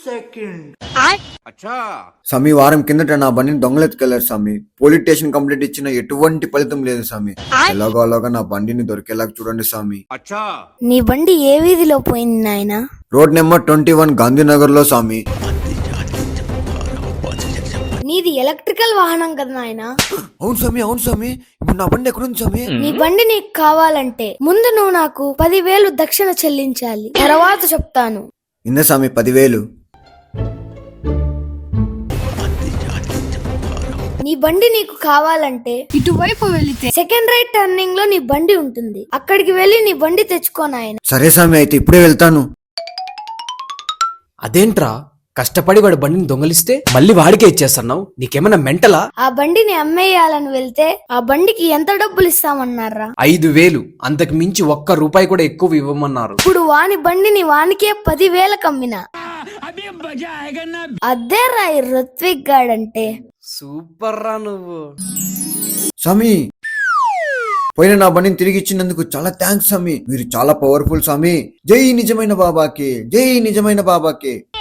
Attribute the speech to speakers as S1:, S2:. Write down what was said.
S1: స్వామి వారం కిందట నా బండిని దొంగలెత్తుకెళ్లారు స్వామి. పోలీస్ స్టేషన్ కంప్లైంట్ ఇచ్చిన ఎటువంటి ఫలితం లేదు స్వామి. ఎలాగోలాగా నా బండిని దొరికేలాగా చూడండి స్వామి.
S2: నీ బండి ఏ వీధిలో పోయింది నాయనా?
S1: రోడ్ నెంబర్ 21 గాంధీనగర్ లో స్వామి.
S2: నీది ఎలక్ట్రికల్ వాహనం కదా నాయనా?
S1: అవును స్వామి, అవును స్వామి. ఇప్పుడు నా బండి ఎక్కడుంది స్వామి?
S2: నీ బండి నీకు కావాలంటే ముందు నువ్వు నాకు 10,000 దక్షిణ చెల్లించాలి, తర్వాత చెప్తాను.
S1: ఇంద స్వామి 10,000.
S2: నీ బండి నీకు కావాలంటే ఇటువైపు వెళితే సెకండ్ రైట్ టర్నింగ్ లో నీ బండి ఉంటుంది, అక్కడికి వెళ్లి నీ బండి తెచ్చుకో నాయన.
S1: సరే స్వామి, అయితే ఇప్పుడే వెళ్తాను.
S3: అదేంట్రా, కష్టపడి వాడి బండిని దొంగలిస్తే మళ్ళీ వాడికే ఇచ్చేస్తున్నావు? నీకేమన్నా మెంటలా?
S2: ఆ బండిని అమ్మేయాలని వెళ్తే ఆ బండికి ఎంత డబ్బులు ఇస్తామన్నారా?
S3: 5,000. అంతకు మించి ఒక్క రూపాయి కూడా ఎక్కువ ఇవ్వమన్నారు.
S2: ఇప్పుడు వాని బండిని వానికే 10,000 కమ్మినా. అదే రాయి ఋత్విక్ గాడంటే.
S3: సూపర్ రా నువ్వు.
S1: స్వామి, పోయిన నా బండిని తిరిగి ఇచ్చినందుకు చాలా థ్యాంక్స్ స్వామి. మీరు చాలా పవర్ఫుల్ స్వామి. జై నిజమైన బాబాకి, జై నిజమైన బాబాకి.